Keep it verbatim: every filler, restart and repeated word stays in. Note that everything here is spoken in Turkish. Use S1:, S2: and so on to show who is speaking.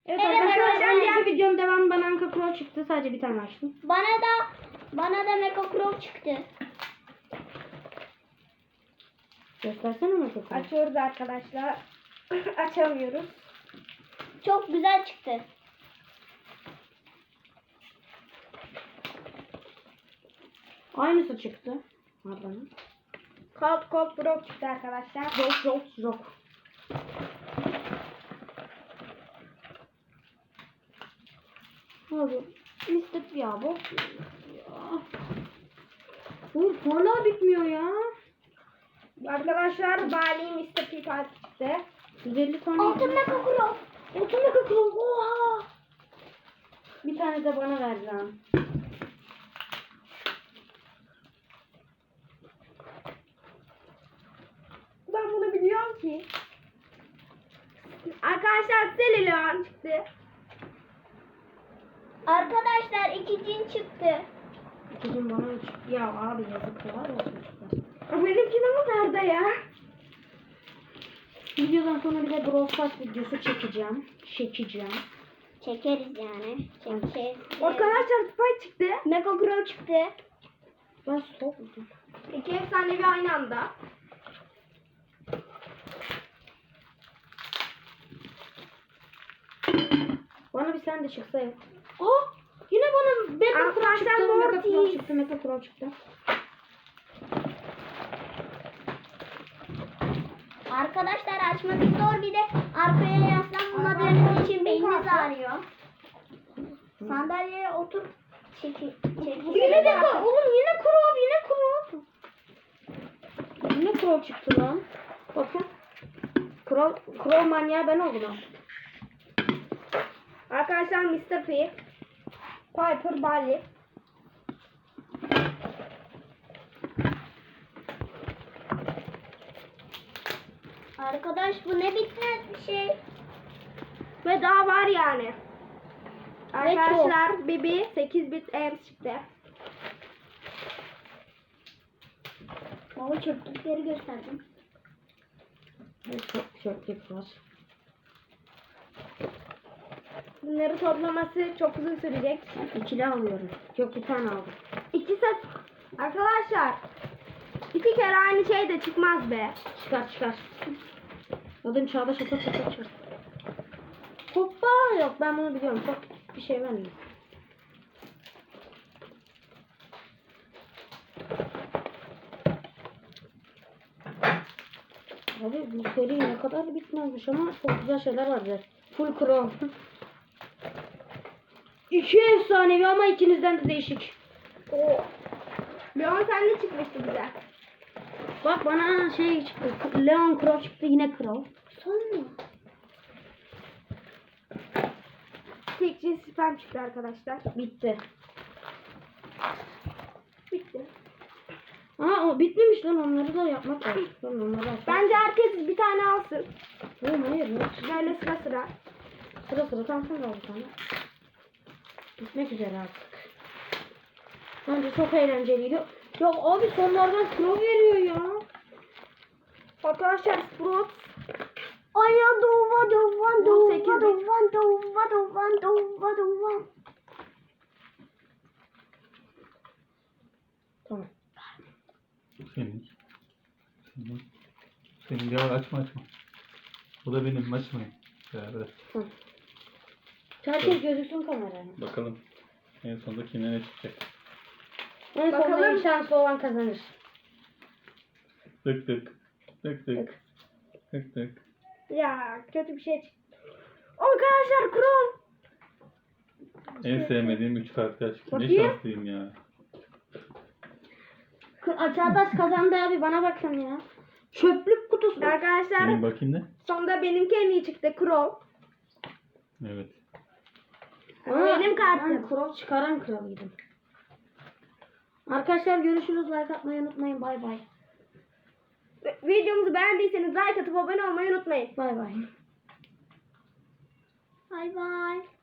S1: Evet,
S2: Evet
S1: arkadaşlar
S2: arkadaşlar.
S1: ben diğer videom devam bana Anka Pro çıktı. Sadece bir tane açtım.
S2: Bana da bana da Mecha Crow çıktı.
S1: Göstersene Mecha Pro.
S3: Açıyoruz arkadaşlar. Açamıyoruz.
S2: Çok güzel çıktı.
S1: Aynısı çıktı. Pardon.
S3: Cold Cold Bro çıktı arkadaşlar.
S1: Yok yok yok. Abi mistik ya bu. Ya. Bu hala bitmiyor ya.
S3: Arkadaşlar Bali mister P çıktı.
S1: yüz elli tane.
S2: Altın Mecha Crow.
S1: Altın Mecha Crow. Oha. Bir tane de bana ver lan.
S3: Ben bunu biliyorum ki. Arkadaşlar Selilion çıktı.
S2: Arkadaşlar iki cin çıktı.
S1: İkicim bana üç. Ya abi yazıklar olsun çocuklar.
S3: Benimki de mi nerede ya?
S1: Videodan sonra bir de Brawl Stars videosu çekeceğim. Çekeceğim.
S2: Çekeriz yani. Çekeriz.
S3: Arkadaşlar Spy çıktı.
S2: Mecha Crow çıktı.
S1: Ben stop buldum.
S3: İki efsanevi aynı anda.
S1: Bana bir sen de çıksa ya. Aa! Yine bana Mecha Pro
S3: Arkadaşlar
S1: çıktı. Mecha Pro
S3: Mortis.
S1: çıktı. Mecha Pro çıktı.
S2: Arkadaşlar açması zor, bir de arkaya yaslanmadığınız için beyniniz ağrıyor. Sandalyeye otur. Çekil. Çekil.
S1: Yine de oğlum yine Pro yine Pro. Yine Pro çıktı lan. Bakın. Pro, Pro manyağı ben oldum ha.
S3: Arkadaşlar mister P. Piper Bali.
S2: Arkadaş bu ne bitmez bir şey.
S3: Ve daha var yani.
S2: Ve
S3: Arkadaşlar Bibi sekiz bit M çıktı.
S2: Baba çöplükleri gösterdim.
S1: Çok çöplük var.
S3: Bunları toplaması çok uzun sürecek.
S1: İkili alıyorum. Yok bir tane aldım.
S3: İki set. Arkadaşlar. İki kere aynı şey de çıkmaz be.
S1: Çıkar çıkar. Adım Çağdaş Atak Atak çıkar. Hoppa yok ben bunu biliyorum. Çok bir şey vermiyor. Abi bu seri ne kadar bitmezmiş ama çok güzel şeyler vardı. Full Chrome. İki efsanevi ama ikinizden de değişik.
S3: Oo. Leon sen ne çıkmıştı bize?
S1: Bak bana şey çıktı. Leon Crow çıktı yine Crow.
S2: Son mu?
S3: Tekçi spam çıktı arkadaşlar.
S1: Bitti.
S3: Bitti.
S1: Aa o bitmemiş lan onları da yapmak lazım. Ben onları açmak.
S3: Bence herkes bir tane alsın.
S1: Oğlum hayır ya.
S3: Böyle sıra sıra.
S1: Sıra sıra kalsın da bir tane. Bitmek üzere artık. Bence çok eğlenceliydi. Ya abi sonlardan Crow veriyor ya.
S3: Arkadaşlar Sprout.
S2: Aya dova dova dova
S3: sekiz bit.
S2: dova dova dova dova dova.
S1: Tamam.
S4: Senin. Senin. Senin ya açma açma. Bu da benim açmayın. Beraber.
S1: Tamam. Herkes gözüksün kameraya.
S4: Bakalım en sonunda kime ne çıkacak.
S1: En sonunda
S3: Bakalım.
S1: en şanslı olan kazanır.
S4: Tık tık. Tık tık. Tık tık.
S3: Ya kötü bir şey çıktı. Arkadaşlar Chrome.
S4: En sevmediğim üç karakter çıktı. Ne
S1: Bakayım.
S4: şanslıyım ya.
S1: K- Çağdaş kazandı abi bana bakın ya. Çöplük kutusu.
S3: Arkadaşlar
S4: Benim bakayım ne?
S3: sonunda benimki en iyi çıktı Crow.
S4: Evet.
S3: Ama benim kartım.
S1: Ben Crow çıkaran kralıydım. Arkadaşlar görüşürüz. Like atmayı unutmayın. Bay bay.
S3: Videomuzu beğendiyseniz like atıp abone olmayı unutmayın.
S1: Bay bay.
S2: Bay bay.